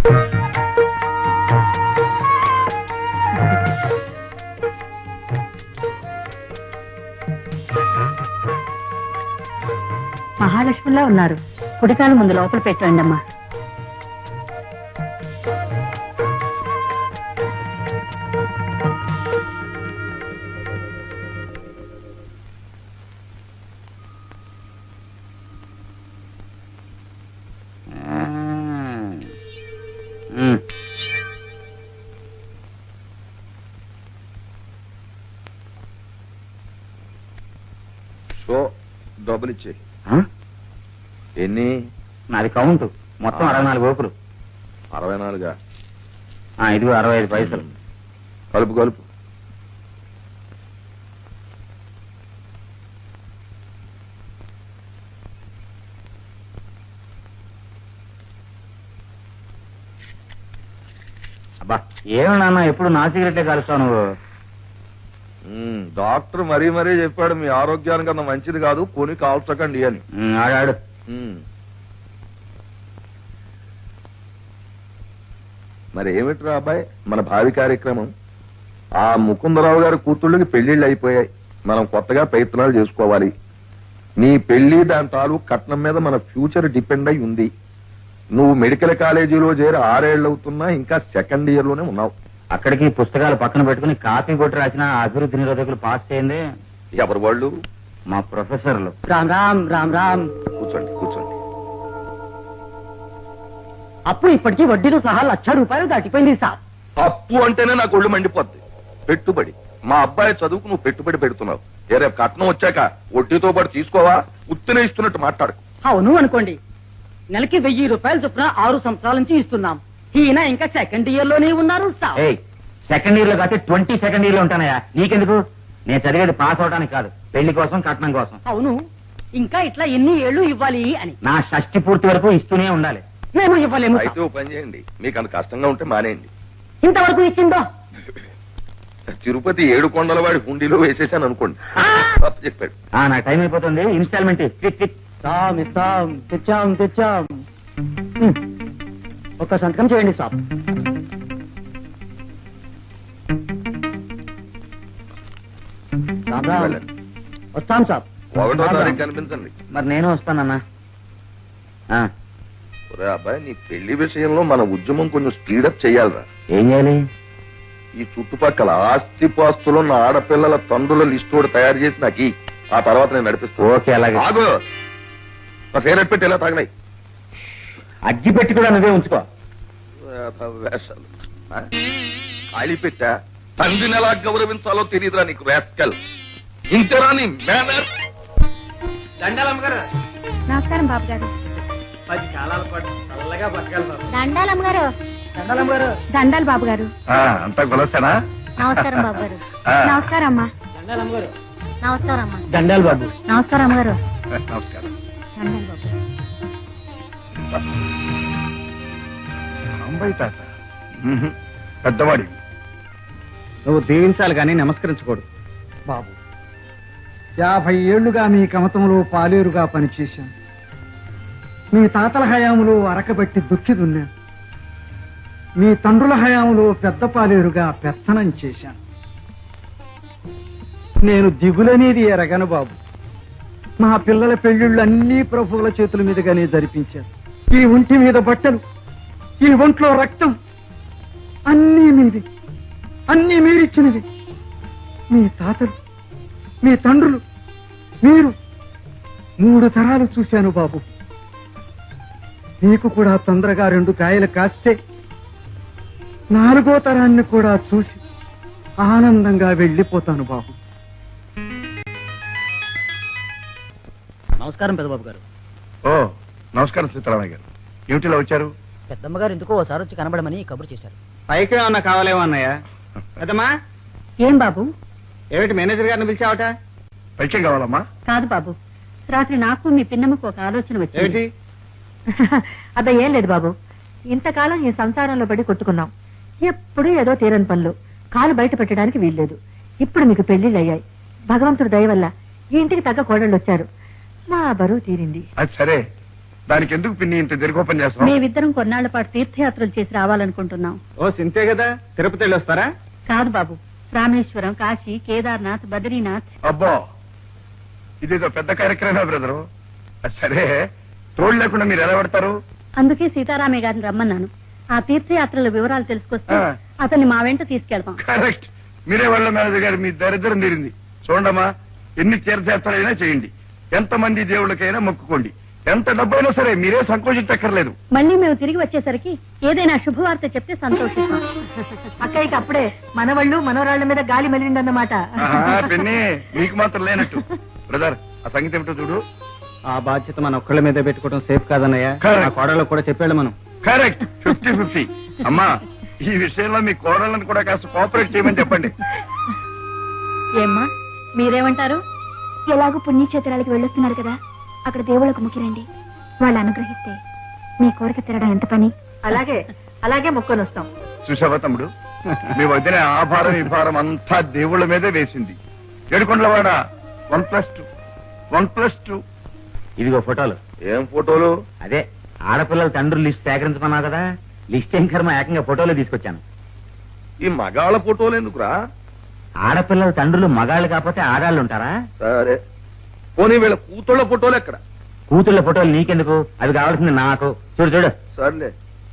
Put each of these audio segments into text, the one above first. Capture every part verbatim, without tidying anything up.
మహాలక్ష్మిలా ఉన్నారు. కుడికాలు ముందు లోపల పెట్టండి అమ్మా. సో డబ్బులు ఇచ్చేయి. ఎన్ని? నాది కౌంట్ మొత్తం అరవై నాలుగు ఓపులు. అరవై నాలుగా? ఇదిగో అరవై ఐదు పైసలు. కలుపు కలుపు. అబ్బా ఏమి నాన్న ఎప్పుడు నా సిగరెట్లే కలుస్తావు నువ్వు? డాక్టర్ మరీ మరీ చెప్పాడు మీ ఆరోగ్యానికి అంత మంచిది కాదు, కొని కాల్చకండి అని. ఆడాడు. మరి ఏమిట్రా అబ్బాయి మన భావి కార్యక్రమం? ఆ ముకుందరావు గారి కూతుళ్ళకి పెళ్లిళ్ళు అయిపోయాయి, మనం కొత్తగా ప్రయత్నాలు చేసుకోవాలి. నీ పెళ్లి దాని తాలూకు కట్నం మీద మన ఫ్యూచర్ డిపెండ్ అయి ఉంది. నువ్వు మెడికల్ కాలేజీలో చేరి ఆరేళ్లు అవుతున్నా ఇంకా సెకండ్ ఇయర్ లోనే ఉన్నావు. అక్కడికి పుస్తకాలు పక్కన పెట్టుకుని కాపీ కొట్టి రాసిన అభివృద్ధి నిరోధకులు పాస్ చేయండి. ఎవరు వాళ్ళు? మా ప్రొఫెసర్లు. రామ్ రామ్ రామ్ రామ్. కూర్చోండి కూర్చోండి. అప్పు ఇప్పటికీ వడ్డీలు సహా లక్ష రూపాయలు దాటిపోయింది సార్. అప్పు అంటేనే నాకు ఒళ్ళు మండిపోద్ది. పెట్టుబడి, మా అబ్బాయి చదువుకు నువ్వు పెట్టుబడి పెడుతున్నావు. ఏ రేపు కట్నం వచ్చాక వడ్డీతో పాటు తీసుకోవా? ఉత్తినే ఇస్తున్నట్టు మాట్లాడు. అవును అనుకోండి, నెలకి వెయ్యి రూపాయలు చొప్పున ఆరు సంవత్సరాల నుంచి ఇస్తున్నాం. ఈయన ఇంకా సెకండ్ ఇయర్ లోనే ఉన్నారు సార్. సెకండ్ ఇయర్ లో కాదు ట్వంటీ సెకండ్ ఇయర్ లో ఉంటానయా. నీకెందుకు? నేను చదివేది పాస్ అవడానికి కాదు, పెళ్లి కోసం కట్నం కోసం. అవును, ఇంకా ఇట్లా ఎన్ని ఏళ్లు ఇవ్వాలి అని. నా షష్టి పూర్తి వరకు ఇస్తూనే ఉండాలి. మేము ఇవ్వలేము. అయితే ఓ పని చేయండి, మీకు అంత కష్టంగా ఉంటే మానేయండి. ఇంతవరకు ఇచ్చిందో తిరుపతి ఏడు కొండల వాడి హుండీలో వేసేసాను అనుకోండి. తప్పు చెప్పాడు. నా టైం అయిపోతుంది. ఇన్స్టాల్మెంట్ ఇస్తాం ఇస్తాం తెచ్చాం తెచ్చాం. ఒక సంతకం చేయండి సార్. వస్తాం సార్. ఒకటో తారీఖు కనిపించండి. మరి నేను వస్తానన్నా. ఒరే అబ్బాయి, నీ పెళ్లి విషయంలో మన ఉద్యమం కొంచెం స్పీడప్ చెయ్యాలరా. ఏం చేయాలి? ఈ చుట్టుపక్కల ఆస్తిపాస్తులు ఉన్న ఆడపిల్లల తండ్రుల లిస్టు కూడా తయారు చేసి నాకు ఈ ఆ తర్వాత నేను నడిపిస్తాను. ఓకే అలాగే. ఆగు, సేరెట్ పెట్టి ఎలా తాగినాయి? అగ్గి పెట్టి కూడా నువ్వే ఉంచుకో. వేషాలు ఖాళీ పెట్టా. తండ్రిని ఎలా గౌరవించాలో తెలియదురా నీకు వేస్కల్. ఇంతేరా నీ మేనర్. దండాలమ్మ గారు. నమస్కారం బాబు గారు. పది కాలాల పాటు చల్లగా బతకాలి బాబు. దండాలమ్మ గారు. దండాలమ్మ గారు. దండాలు బాబు గారు. అంతా కొలసానా? నమస్కారం బాబు గారు. నమస్కారం అమ్మా. దండాలమ్మ గారు. నమస్కారం అమ్మా. దండాలు బాబు. నమస్కారం అమ్మగారు. నమస్కారం. దండాలు బాబు. పెద్దవాడి నువ్వు దీవించాలి కానీ నమస్కరించకూడదు బాబు. యాభై ఏళ్లుగా మీ కమతంలో పాలేరుగా పనిచేశాను. మీ తాతల హయాంలో అరకబెట్టి దుక్కి దున్నాను. మీ తండ్రుల హయాంలో పెద్ద పాలేరుగా పెత్తనం చేశాను. నేను దిగులనేది ఎరగను బాబు. మా పిల్లల పెళ్లిళ్ళు అన్ని ప్రభువుల చేతుల మీదుగానే జరిపించారు. ఈ ఒంటి మీద బట్టలు, ఈ ఒంట్లో రక్తం అన్నీ మీది, అన్నీ మీరిచ్చినది. మీ తాతలు, మీ తండ్రులు, మీరు మూడు తరాలు చూశాను బాబు. మీకు కూడా తొందరగా రెండు కాయలు కాస్తే నాలుగో తరాన్ని కూడా చూసి ఆనందంగా వెళ్ళిపోతాను బాబు. నమస్కారం పెద్దబాబు గారు. ఓ నమస్కారం సీతారామయ్య గారు. ఏమిటిలా వచ్చారు? పెద్దమ్మ గారు ఎందుకో ఓసారి వచ్చి కనబడమని కబురు చేశారు. పైకి ఏమన్నా కావాలేమో అన్నయ్య. పెద్దమ్మా ఏం బాబు? ఏమిటి మేనేజర్ గారిని పిలిచావట? పైకి కావాలమ్మా? కాదు బాబు, రాత్రి నాకు మీ పిన్నమ్మకు ఒక ఆలోచన వచ్చింది. ఏమిటి? అదే ఏం లేదు బాబు, ఇంతకాలం ఈ సంసారంలో పడి కొట్టుకున్నాం. ఎప్పుడు ఏదో తీరని పనులు, కాలు బయట పెట్టడానికి వీల్లేదు. ఇప్పుడు మీకు పెళ్లిళ్ళు అయ్యాయి. భగవంతుడు దయ వల్ల ఈ ఇంటికి తగ్గ కోడళ్ళు వచ్చారు. మా బరువు తీరింది. అది సరే, దానికి ఎందుకు పిన్ని ఇంత దీర్ఘోపం చేస్తాం? మేమిద్దరం కొన్నాళ్ల పాటు తీర్థయాత్రలు చేసి రావాలనుకుంటున్నాం. ఓ సింతే కదా, తిరుపతి వెళ్ళి వస్తారా? కాదు బాబు, రామేశ్వరం, కాశీ, కేదార్నాథ్, బద్రీనాథ్. అబ్బో, ఇదేదో పెద్ద కార్యక్రమమే బ్రదరు. సరే, తోడు లేకుండా మీరు ఎలా పెడతారు? అందుకే సీతారామయ్య గారిని రమ్మన్నాను. ఆ తీర్థయాత్రల వివరాలు తెలుసుకొస్తే ఆ. అతన్ని మా వెంట తీసుకెళ్తాం. కరెక్ట్. మీరే వాళ్ళ మేనేజర్ గారు, మీ దరిద్రం తీరింది. చూడమ్మా, ఎన్ని తీర్థయాత్రలైనా చేయండి, ఎంతమంది దేవుళ్ళకైనా మొక్కుకోండి, ఎంత డబ్బైనా సరే మీరే సంకోచించక్కర్లేదు. మళ్ళీ మేము తిరిగి వచ్చేసరికి ఏదైనా శుభవార్త చెప్తే సంతోషిస్తాం. అక్కడికి అప్పుడే మనవాళ్ళు మనవరాళ్ల మీద గాలి మెలిందన్నమాట. ఆహా, పిన్ని మీకు మాత్రం లేనట్టు. బ్రదర్, ఆ సంగతి ఏమిటో చూడు. ఆ బాధ్యత మన ఒక్కళ్ళ మీద పెట్టుకోవడం సేఫ్ కాదన్నయ్య. Correct. ఆ కోడలకు కూడా చెప్పాడు మనం. Correct, fifty fifty. అమ్మా, ఈ విషయంలో మీ కోడళ్ళని కూడా కాస్త కోఆపరేట్ చేయమని చెప్పండి. ఏమ్మా, మీరేమంటారు? ఎలాగో పుణ్యక్షేత్రాలకు వెళ్ళొస్తున్నారు కదా, అక్కడ దేవుళ్ళకు ముఖ్యరండి. వాళ్ళు అనుగ్రహిస్తే మీ కోరిక తిరగడం ఎంత పని. అలాగే అలాగే మొక్కను వస్తాం. చూసావా తమ్ముడు, మీ వదిన ఆ భారం ఈ భారం అంతా దేవుళ్ళ మీదే వేసింది. Yedukondalavada one plus two one plus two. ఇదిగో ఫోటోలు. ఏం ఫోటోలు? అదే ఆడపిల్లల తండ్రులు లిస్ట్ సేకరించమన్నావు కదా, లిస్ట్ ఏం కర్మ, ఏకంగా ఫోటోలు తీసుకొచ్చాను. ఈ మగాళ్ళ ఫోటోలు ఎందుకురా? ఆడపిల్లల తండ్రులు మగాళ్ళు కాకపోతే ఆడాళ్ళు ఉంటారా? సరే, పోనీ వీళ్ళ కూతుళ్ళ ఫోటోలు ఎక్కడ? కూతుళ్ళ ఫోటోలు నీకెందుకు, అవి కావాల్సింది నాకు. చూడు చూడు. సర్లే.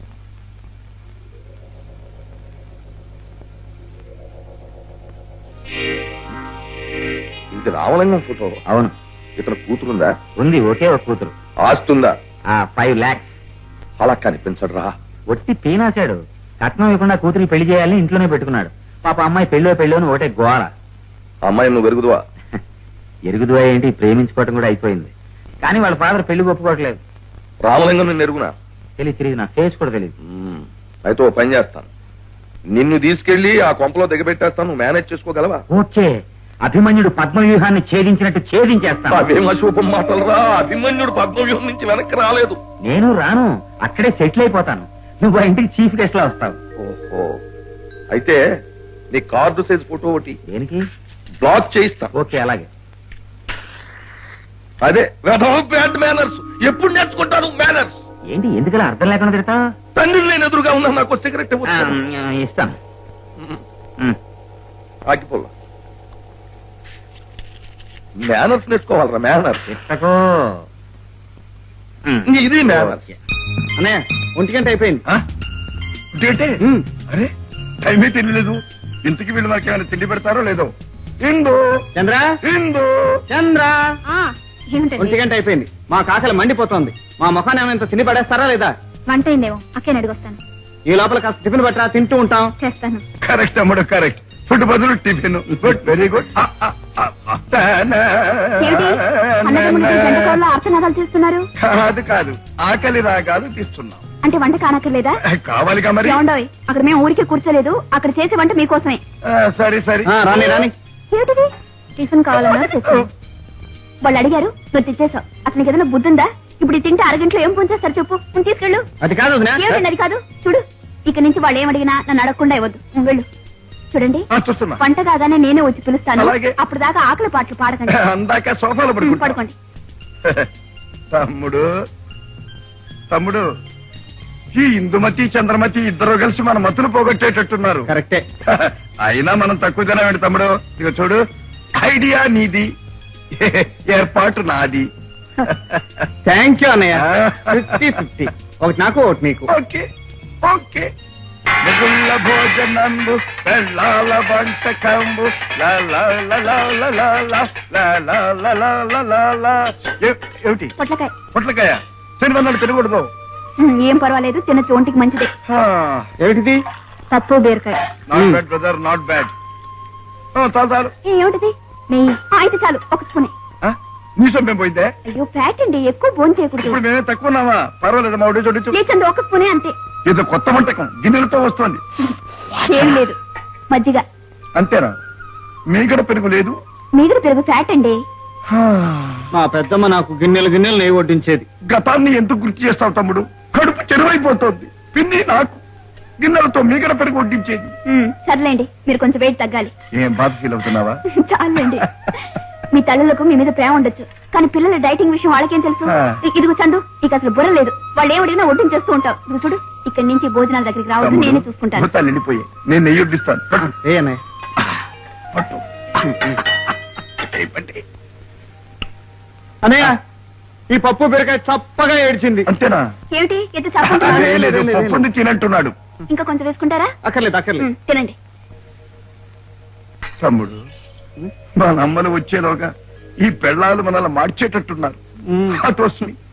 ఇది రామలింగం ఫోటో. అవును, ఇతను కూతురుందా? ఉంది, ఒకే ఒక కూతురు. ఆస్తుందా? ఆ ఫైవ్ లాక్స్. అలా కనిపించడు రా. ఒట్టి పీనాశాడు. కట్నం ఇవ్వకుండా కూతురికి పెళ్లి చేయాలని ఇంట్లోనే పెట్టుకున్నాడు. పాప అమ్మాయి పెళ్ళో పెళ్ళో అని ఒకటే గోల. అమ్మాయి నువ్వు వెరుగుదువా? ఎరుగుదువా ఏంటి, ప్రేమించుకోవటం కూడా అయిపోయింది. కానీ వాళ్ళ ఫాదర్ పెళ్లి ఒప్పుకోవట్లేదు. రామలింగం నిన్ను ఎరుగునా? తెలియదు తెలియదు, నా ఫేస్ కూడా తెలియదు. మ్మ్. అయితే ఓ పని చేస్తాను, నిన్ను తీసుకెళ్లి ఆ కొంపలో దిగబెట్టేస్తాను. నువ్వు మేనేజ్ చేసుకోగలవా? ఓకే, అభిమన్యుడు పద్మవ్యూహాన్ని ఛేదించినట్టు ఛేదించేస్తాను. అవేం అశుభం మాటలు రా. అభిమన్యుడు పద్మవ్యూహం నుంచి వెనక్కి రాలేదు. నేను రాను, అక్కడే సెటిల్ అయిపోతాను. నువ్వు ఆ ఇంటికి చీఫ్ గెస్ట్ లా వస్తావు. ఓహో, అయితే నీ కార్డు సైజ్ ఫోటో ఒకటి దేనికి? బ్లాక్ చేయిస్తా. ఓకే, అలాగే. అదే బ్యాడ్ మేనర్స్. ఎప్పుడు నేర్చుకుంటాను మేనర్స్? ఏంటి ఎందుకలా అర్థం లేకుండా తిడతావు? తండ్రి నేను ఎదురుగా ఉన్నా, నాకు సిగరెట్ ఆ, ఇస్తాను. ఉమ్. ఆగిపోలా. మేనర్స్ నేర్చుకోవాలరా, మేనర్స్. ఇస్తకో. ఉమ్. ఇది మేనర్స్. అన్నయ్య, ఒంటి గంట అయిపోయింది. ఇదేంటే? ఉమ్. అరే, టైమే తెలియలేదు. ఇంతకి వీళ్ళు మనకి ఏమైనా తిండి పెడతారో లేదో. ఇందు చంద్ర ఇందు చంద్ర ఒంటి ఏమిటండి? గంట అయిపోయింది. మా కాకలు మండిపోతోంది. మా ముఖాన్ని ఏమైనా తిని పడేస్తారా లేదా? వంట అయిందేమో, అక్కని అడిగొస్తాను. ఈ లోపల కాస్త టిఫిన్ పట్టరా, తింటూ ఉంటాం. చేస్తాను. కరెక్ట్ అమ్మడు, కరెక్ట్. ఫుడ్ బదులు టిఫిన్. Good, very good. ఏమిటి? అన్నదమ్ములకి గంటకోళ్ళ ఆర్తనాదాలు తీస్తున్నారు. కాదు కాదు, ఆకలి రాగాలు తీస్తున్నాం. అంటే వంట కానక్కర్లేదా? కావాలిగా మరి. ఏమండోయ్, అక్కడ మేము ఊరికే కూర్చోలేదు, అక్కడ చేసే వంట మీకోసమే. ఆ, సరే సరే. ఆ, రాని రాని ఏమిటిది? టిఫిన్ కావాలన్నా తెచ్చాను. వాళ్ళు అడిగారు, నువ్వు తెచ్చేసావు. అతనికి ఏదైనా బుద్ధుందా? ఇప్పుడు ఇది తింటే అరగంటలో ఏం పొంచేస్తారు చెప్పు. నువ్వు తీసుకెళ్ళు. అది కాదు వదినా. ఏమిటండి అది కాదు? చూడు, ఇక నుంచి వాళ్ళు ఏం అడిగినా నన్ను అడగకుండా ఇవ్వద్దు. నువ్వు వెళ్ళు. చూడండి, ఆ, చూస్తున్నా. వంట కాగానే నేనే వచ్చి పిలుస్తాను. అలాగే. అప్పుడు దాకా ఆకలి పాటలు పాడకండి. అందాక సోఫాలో ఉమ్, పడుకుంటా. పడుకోండి. తమ్ముడు తమ్ముడు ఈ ఇందుమతి చంద్రమతి ఇద్దరు కలిసి మన మతులు పోగొట్టేటట్టున్నారు. కరెక్టే. అయినా మనం తక్కువ తినవేంటి తమ్ముడు? ఇక చూడు, ఐడియా నీది, ఏర్పాటు నాది. థ్యాంక్ యూ అన్నయ్య. ఫిఫ్టీ ఫిఫ్టీ, ఒకటి నాకు ఒకటి నీకు. Okay okay. మిగుళ్ళ భోజనంబు పెళ్ళాల వంటకంబు లా లా లా లా లా లా లా లా లా లా లా లా లా లా. ఏ- ఏమిటి? పొట్లకాయ. పొట్లకాయ శనివన్నాడు తినకూడదు. ఉమ్, ఏం పర్వాలేదు, తిన్న చోంటికి మంచిదే. ఏమిటిది? తప్పు బీరకాయ. Not bad brother, not bad. చాలు చాలు. ఏ, ఏమిటిది? నెయ్యి. ఆ, అయితే చాలు, ఒక స్పూనే. ఆ, నీ సొమ్మేం పోయిందే? అయ్యో, ఫ్యాట్ అండి, ఎక్కువ భోజనం చేయకూడదు. ఇప్పుడు మేమే తక్కువ ఉన్నామా? పర్వాలేదు, మా ఒడి చూడొచ్చు. లేచండి, ఒక స్పూనే అంతే. ఇది కొత్త వంటకం, గిన్నెలతో వస్తుంది. ఏం లేదు, మజ్జిగ. అంతేనా? మీగడ పెరుగు లేదు? మీగడ పెరుగు ఫ్యాట్ అండి. మా పెద్దమ్మ నాకు గిన్నెలు గిన్నెలు నెయ్యి వడ్డించేది. గతాన్ని ఎందుకు గుర్తు చేస్తావు తమ్ముడు? కడుపు చెరువైపోతుంది. పిన్ని నాకు గిన్నెలతో మీగడ పెరుగు వడ్డించేది. ఉమ్, సర్లేండి, మీరు కొంచెం వెయిట్ తగ్గాలి. ఏం బాధ ఫీల్ అవుతున్నావా? చాలండి. మీ తల్లులకు మీ మీద ప్రేమ ఉండొచ్చు కానీ పిల్లల డైటింగ్ విషయం వాళ్ళకేం తెలుసు ఆ. ఇ- ఇదిగో చందు నీకు అసలు బుర్ర లేదు వాళ్ళు ఏమడిగినా వడ్డించేస్తూ చేస్తూ ఉంటావు ఇదిగో చూడు ఇక్కడి నుంచి భోజనాల దగ్గరికి రావద్దు నేనే చూసుకుంటాను భూతాలు నిండిపోయి నేను నెయ్యి వడ్డిస్తాను పట్టు. ఏ అన్నయ్య పట్టు. ఏయ్, పట్టి. అన్నయ్య ఈ పప్పు బీరకాయ చప్పగా ఏడ్చింది. అంతేనా ఏమిటి ఎంత చాకుంటున్నారు అదే లేదు పప్పుంది తినంటున్నాడు ఇంకా కొంచెం వేసుకుంటారా అక్కర్లేదు అక్కర్లేదు. ఉమ్, తినండి తమ్ముడు మా నమ్మలు వచ్చేలోగా ఈ పెళ్ళాలు మనల్ని మార్చేటట్టున్నారు ఉమ్. హతోస్మి